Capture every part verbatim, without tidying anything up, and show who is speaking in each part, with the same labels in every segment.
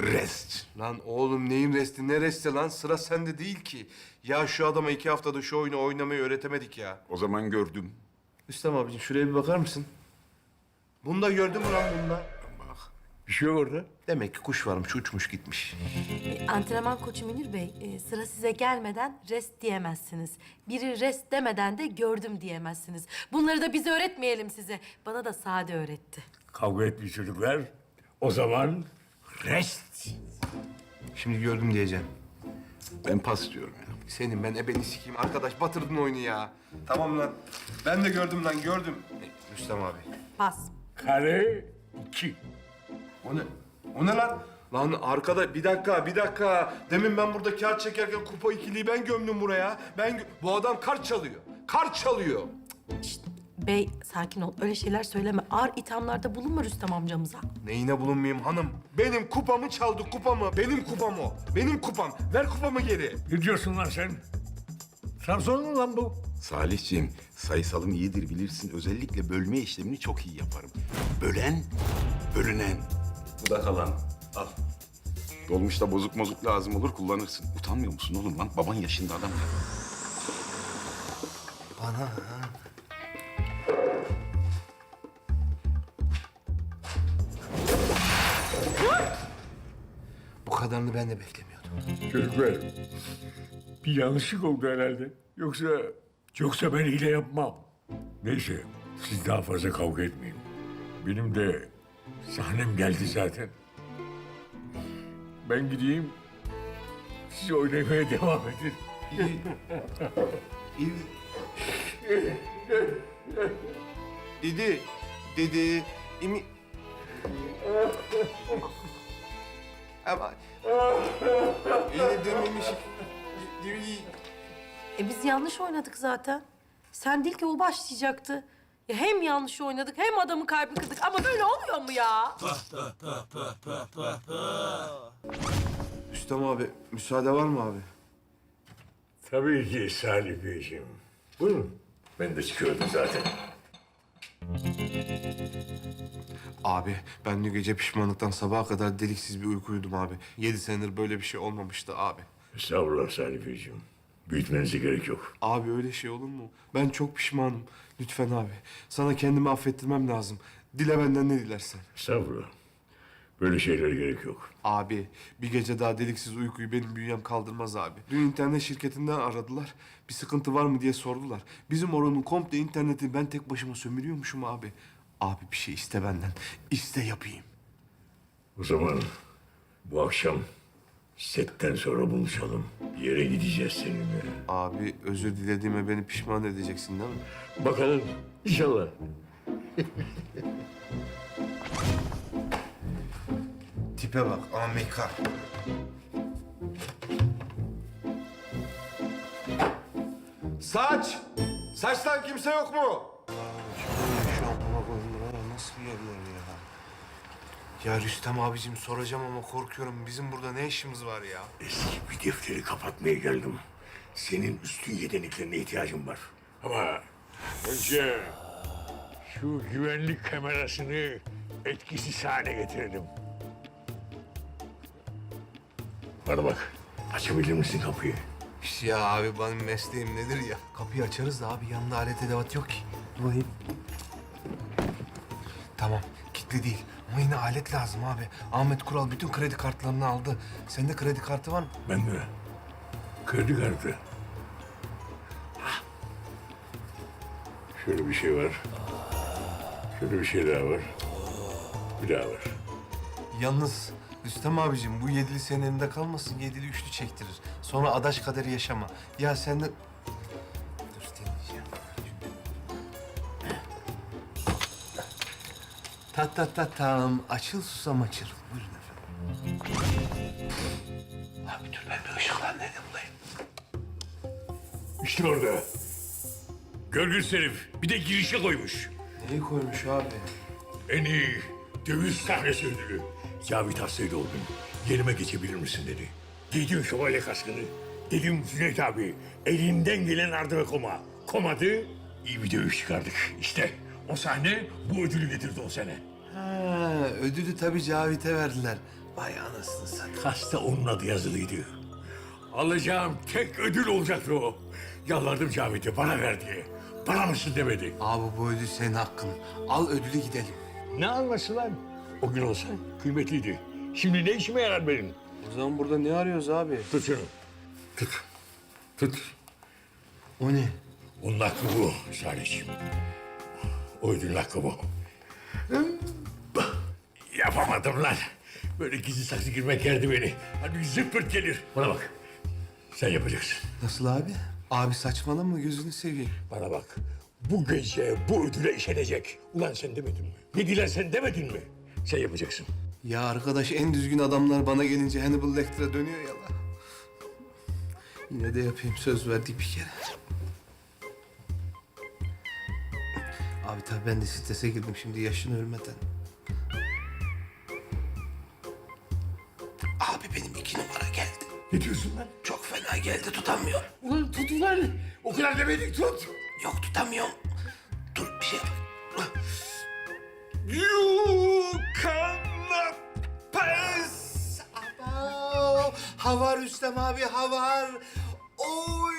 Speaker 1: Rest.
Speaker 2: Lan oğlum neyin resti, ne resti lan? Sıra sende değil ki. Ya şu adama iki haftada şu oyunu oynamayı öğretemedik ya.
Speaker 1: O zaman gördüm.
Speaker 2: Rüstem abicim şuraya bir bakar mısın? Bunda gördün mü lan bunda?
Speaker 1: Bak.
Speaker 2: Bir şey yok orada. Demek ki kuş varmış, uçmuş gitmiş.
Speaker 3: E, antrenman koçu Münir Bey, e, sıra size gelmeden rest diyemezsiniz. Biri rest demeden de gördüm diyemezsiniz. Bunları da biz öğretmeyelim size. Bana da Sade öğretti.
Speaker 4: Kavga etmiş çocuklar. O zaman rest.
Speaker 2: Şimdi gördüm diyeceğim.
Speaker 1: Ben pas diyorum ya.
Speaker 2: Senin ben ebeni sikeyim. Arkadaş batırdın oyunu ya. Tamam lan. Ben de gördüm lan, gördüm. E, Rüstem abi.
Speaker 3: Pas.
Speaker 4: Kare iki.
Speaker 2: O ne? O ne lan? Lan arkada bir dakika, bir dakika. Demin ben burada kağıt çekerken kupa ikiliyi ben gömdüm buraya. Ben gö- bu adam kart çalıyor. Kart çalıyor.
Speaker 3: Şşt, bey sakin ol. Öyle şeyler söyleme. Ağır ithamlarda bulunma Rüstem amcamıza.
Speaker 2: Neyine bulunmayayım hanım? Benim kupamı çaldı, kupamı. Benim kupam o. Benim kupam. Ver kupamı geri.
Speaker 4: Ne diyorsun lan sen? Trabzon mu lan bu?
Speaker 1: Salihciğim, sayısalım iyidir bilirsin. Özellikle bölme işlemini çok iyi yaparım. Bölen, bölünen. Bu da kalan. Al. Dolmuşta bozuk mozuk lazım olur, kullanırsın. Utanmıyor musun oğlum lan? Baban yaşında adam ya.
Speaker 2: Bana ha. Bu kadarını ben de beklemiyordum.
Speaker 4: Çocuklar, bir yanlışlık oldu herhalde. Yoksa, yoksa ben hile yapmam. Neyse, siz daha fazla kavga etmeyin. Benim de sahnem geldi zaten. Ben gideyim, siz oynamaya devam edin.
Speaker 2: Didi, Didi, imi... Ama... Yine dememiş... Didi...
Speaker 3: E biz yanlış oynadık zaten. Sen değil ki o başlayacaktı. Ya hem yanlış oynadık hem adamın kalbini kırdık. Ama böyle olmuyor mu ya?
Speaker 2: Rüstem abi, müsaade var mı abi?
Speaker 4: Tabii ki Salih Beyciğim. Buyurun. Ben de çıkıyordum zaten.
Speaker 2: Abi, ben dün gece pişmanlıktan sabaha kadar deliksiz bir uyku uyudum abi. Yedi senedir böyle bir şey olmamıştı abi.
Speaker 4: Estağfurullah Salih Beyciğim. Büyütmenize gerek yok.
Speaker 2: Abi öyle şey olur mu? Ben çok pişmanım. Lütfen abi. Sana kendimi affettirmem lazım. Dile benden ne dilersen.
Speaker 4: Estağfurullah. Böyle şeylere gerek yok.
Speaker 2: Abi bir gece daha deliksiz uykuyu benim bünyem kaldırmaz abi. Dün internet şirketinden aradılar. Bir sıkıntı var mı diye sordular. Bizim oranın komple interneti ben tek başıma sömürüyormuşum abi. Abi bir şey iste benden. İste yapayım.
Speaker 4: O zaman bu akşam setten sonra buluşalım. Bir yere gideceğiz seninle.
Speaker 2: Abi özür dilediğime beni pişman edeceksin değil mi?
Speaker 4: Bakalım inşallah.
Speaker 2: Tipe bak Amerika. Saç! Saçtan kimse yok mu? Şu amına koyayım buralar nasıl bir yerler ya? Ya Rüstem abicim soracağım ama korkuyorum. Bizim burada ne işimiz var ya?
Speaker 4: Eski bir defteri kapatmaya geldim. Senin üstün yeteneklerine ihtiyacım var. Ama önce şu güvenlik kamerasını etkisiz hale getirelim. Bana bak, açabilir misin kapıyı?
Speaker 2: Ya abi benim mesleğim nedir ya? Kapıyı açarız da abi yanında alet edevat yok ki. Dur bakayım. Tamam kilitli değil ama yine alet lazım abi. Ahmet Kural bütün kredi kartlarını aldı. Sende kredi kartı var mı?
Speaker 4: Ben de. Kredi kartı. Hah. Şöyle bir şey var. Şöyle bir şey daha var. Bir daha var.
Speaker 2: Yalnız Rüstem abicim bu yedili senin elinde kalmasın. Yedili üçlü çektirir. Sonra adaş kaderi yaşama. Ya sen de... Dur deneyeceğim. Ta ta ta tam. Açıl susam açıl. Buyurun efendim. Abi dur ben bir ışıklandırayım bulayım.
Speaker 4: İşte orada. Görgüs herif. Bir de girişe koymuş.
Speaker 2: Neyi koymuş abi?
Speaker 4: En iyi döviz sahnesi ödülü. Cavit hastaydı o gün. Yerime geçebilir misin dedi. Giydim şövalye kaskını. Dedim Cüneyt abi, elimden gelen ardı ve koma. Komadı, iyi bir dövüş çıkardık. İşte o sahne bu ödülü getirdi o sene.
Speaker 2: Ha, ödülü tabii Cavit'e verdiler. Vay anasını sen.
Speaker 4: Kasta onun adı yazılıydı. Alacağım tek ödül olacaktı o. Yalvardım Cavit'e bana ver diye. Bana mısın demedi.
Speaker 2: Abi bu ödül senin hakkın. Al ödülü gidelim.
Speaker 4: Ne alması lan? O gün olsa kıymetliydi. Şimdi ne işime yarar benim?
Speaker 2: O zaman burada ne arıyoruz abi?
Speaker 4: Tut şunu. Tut. Tut.
Speaker 2: O ne?
Speaker 4: Onun hakkı bu Salih'ciğim. O ödülün hakkı bu. Yapamadım lan. Böyle gizli saklı girmek yerdi beni. Hadi zıppırt gelir. Bana bak. Sen yapacaksın.
Speaker 2: Nasıl abi? Abi saçmalama gözünü seveyim.
Speaker 4: Bana bak. Bu gece bu ödüle işenecek. Ulan sen demedin mi? Ne dilen sen demedin mi? Sen yapacaksın.
Speaker 2: Ya arkadaş en düzgün adamlar bana gelince Hannibal Lecter'a dönüyor ya lan. Yine de yapayım söz verdik bir kere. Abi tabii ben de strese girdim şimdi yaşın ölmeden. Abi benim iki numara geldi.
Speaker 4: Ne diyorsun lan?
Speaker 2: Çok fena geldi tutamıyorum.
Speaker 4: Ulan tut ulan. O kadar demedik tut.
Speaker 2: Yok tutamıyorum. Dur bir şey yap.
Speaker 4: You cannot
Speaker 2: Paris! Abo! Havar Rüstem abi havar. Oy!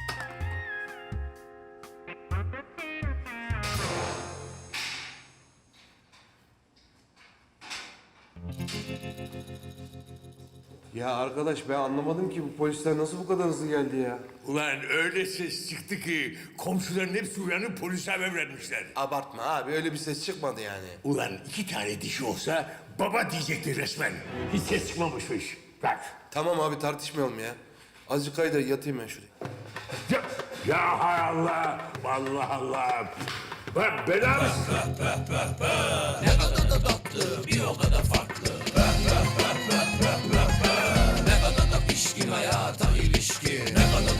Speaker 2: Ya arkadaş ben anlamadım ki bu polisler nasıl bu kadar hızlı geldi ya?
Speaker 4: Ulan öyle ses çıktı ki komşuların hepsi uyanıp polise haber vermişler.
Speaker 2: Abartma abi öyle bir ses çıkmadı yani.
Speaker 4: Ulan iki tane dişi olsa baba diyecekti resmen. Hiç ses çıkmamışmış. Bak.
Speaker 2: Tamam abi tartışmayalım ya. Azıcık kaydır yatayım ben şuraya.
Speaker 4: Ya, ya hay Allah. Allah Allah. Bak bela
Speaker 5: Pişkin hayata